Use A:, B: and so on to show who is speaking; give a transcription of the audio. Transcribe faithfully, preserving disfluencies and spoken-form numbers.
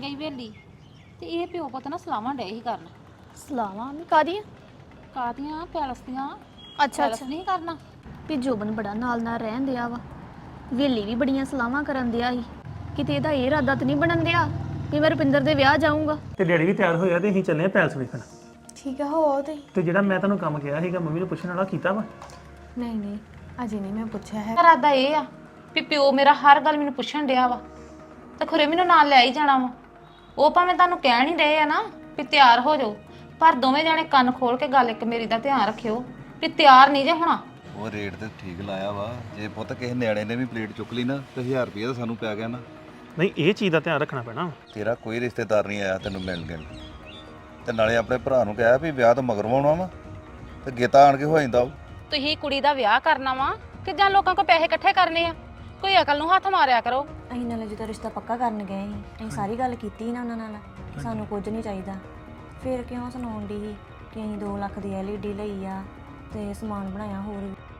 A: ਗਈ ਵੇਲੀ ਤੇ ਇਹ ਪਿਓ ਪੁੱਤ ਨਾ ਸਲਾਵਾਂ ਡੇ ਹੀ ਕਰਨ।
B: ਸਲਾਵਾਂ ਮੈਂ ਕਾਦੀਆਂ?
A: ਕਾਦੀਆਂ? ਪੈਲਸ ਦੀਆਂ।
B: ਅੱਛਾ
A: ਪੈਲਸ
B: ਅੱਛਾ,
A: ਨਹੀਂ ਕਰਨਾ।
B: ਵੀ ਜੋਬਨ ਬੜਾ ਨਾਲ ਨਾਲ ਰਹਿਣ ਦਿਆ ਵਾ, ਵੇਲੀ ਵੀ ਬੜੀਆਂ ਸਲਾਵਾਂ ਕਰਨ ਦਿਆ ਸੀ। ਕਿਤੇ ਇਹਦਾ ਇਹ ਇਰਾਦਾ ਤਾਂ ਨਹੀਂ ਬਣਨ ਦਿਆ ਵੀ ਮੈਂ ਰੁਪਿੰਦਰ ਦੇ ਵਿਆਹ ਜਾਊਂਗਾ।
C: ਤੇ ਡੈਡੀ ਵੀ ਤਿਆਰ ਹੋਇਆ ਤੇ ਅਸੀਂ ਚੱਲੇ ਆ ਪੈਲਸ ਵੇਖਣ।
D: ਠੀਕ ਆ, ਹੋ ਤੇ
C: ਤੇ ਜਿਹੜਾ ਮੈਂ ਤੁਹਾਨੂੰ ਕੰਮ ਕਿਹਾ ਸੀਗਾ ਮੰਮੀ ਨੂੰ ਪੁੱਛਣ ਵਾਲਾ ਕੀਤਾ ਵਾ?
D: ਨਹੀਂ ਨਹੀਂ, ਅਜੇ ਨਹੀਂ ਮੈਂ ਪੁੱਛਿਆ ਹੈ।
A: ਇਰਾਦਾ ਇਹ ਆ ਵੀ ਪਿਓ ਮੇਰਾ ਹਰ ਗੱਲ ਮੈਨੂੰ ਪੁੱਛਣ ਡਿਆ ਵਾ ਤੇ ਖੁਰੇ ਮੈਨੂੰ ਨਾਲ ਲੈ ਹੀ ਜਾਣਾ ਵਾ। ਉਹ ਭਾਵੇਂ ਤੁਹਾਨੂੰ ਕਹਿਣ ਹੀ ਰਹੇ ਆ ਨਾ ਵੀ ਤਿਆਰ ਹੋ ਜਾਓ, ਪਰ ਦੋਵੇਂ ਜਾਣੇ ਕੰਨ ਖੋਲ ਕੇ ਗੱਲ ਇੱਕ ਮੇਰੀ ਦਾ ਧਿਆਨ ਰੱਖਿਓ ਵੀ ਤਿਆਰ ਨਹੀਂ ਜੇ ਹੋਣਾ।
E: ਉਹ ਰੇਟ ਤੇ ਠੀਕ ਲਾਇਆ ਵਾ। ਜੇ ਪੁੱਤ ਕਿਸੇ ਨਿਆਣੇ ਨੇ ਵੀ ਪਲੇਟ ਚੁੱਕ ਲਈ ਨਾ ਤੇ ਹਜ਼ਾਰ ਰੁਪਏ ਤਾਂ ਸਾਨੂੰ ਪੈ ਗਿਆ ਨਾ।
C: ਨਹੀਂ ਇਹ ਚੀਜ਼ ਦਾ ਧਿਆਨ ਰੱਖਣਾ ਪੈਣਾ।
E: ਤੇਰਾ ਕੋਈ ਰਿਸ਼ਤੇਦਾਰ ਨਹੀਂ ਆਇਆ ਤੈਨੂੰ ਮਿਲਣ ਗਿਲਣ, ਤੇ ਨਾਲੇ ਆਪਣੇ ਭਰਾ ਨੂੰ ਕਿਹਾ ਵੀ ਵਿਆਹ ਤੋਂ ਮਗਰ ਆਉਣਾ ਵਾ ਤੇ ਗੇਤਾ ਆਣ ਕੇ ਹੋ ਜਾਂਦਾ।
A: ਤੁਸੀਂ ਕੁੜੀ ਦਾ ਵਿਆਹ ਕਰਨਾ ਵਾ ਕਿ ਜਾਂ ਲੋਕਾਂ ਕੋਲ ਪੈਸੇ ਇਕੱਠੇ ਕਰਨੇ ਆ? ਕੋਈ ਅਕਲ ਨੂੰ ਹੱਥ ਮਾਰਿਆ ਕਰੋ।
D: ਅਸੀਂ ਨਾਲੇ ਜਦੋਂ ਰਿਸ਼ਤਾ ਪੱਕਾ ਕਰਨ ਗਏ ਸੀ ਅਸੀਂ ਸਾਰੀ ਗੱਲ ਕੀਤੀ ਨਾ ਉਹਨਾਂ ਨਾਲ ਕਿ ਸਾਨੂੰ ਕੁਝ ਨਹੀਂ ਚਾਹੀਦਾ। ਫਿਰ ਕਿਉਂ ਸੁਣਾਉਣ ਦੀ ਸੀ ਕਿ ਅਸੀਂ ਦੋ ਲੱਖ ਦੀ ਐਲ ਈ ਡੀ ਲਈ ਆ ਤੇ ਸਮਾਨ ਬਣਾਇਆ ਹੋਰ ਵੀ।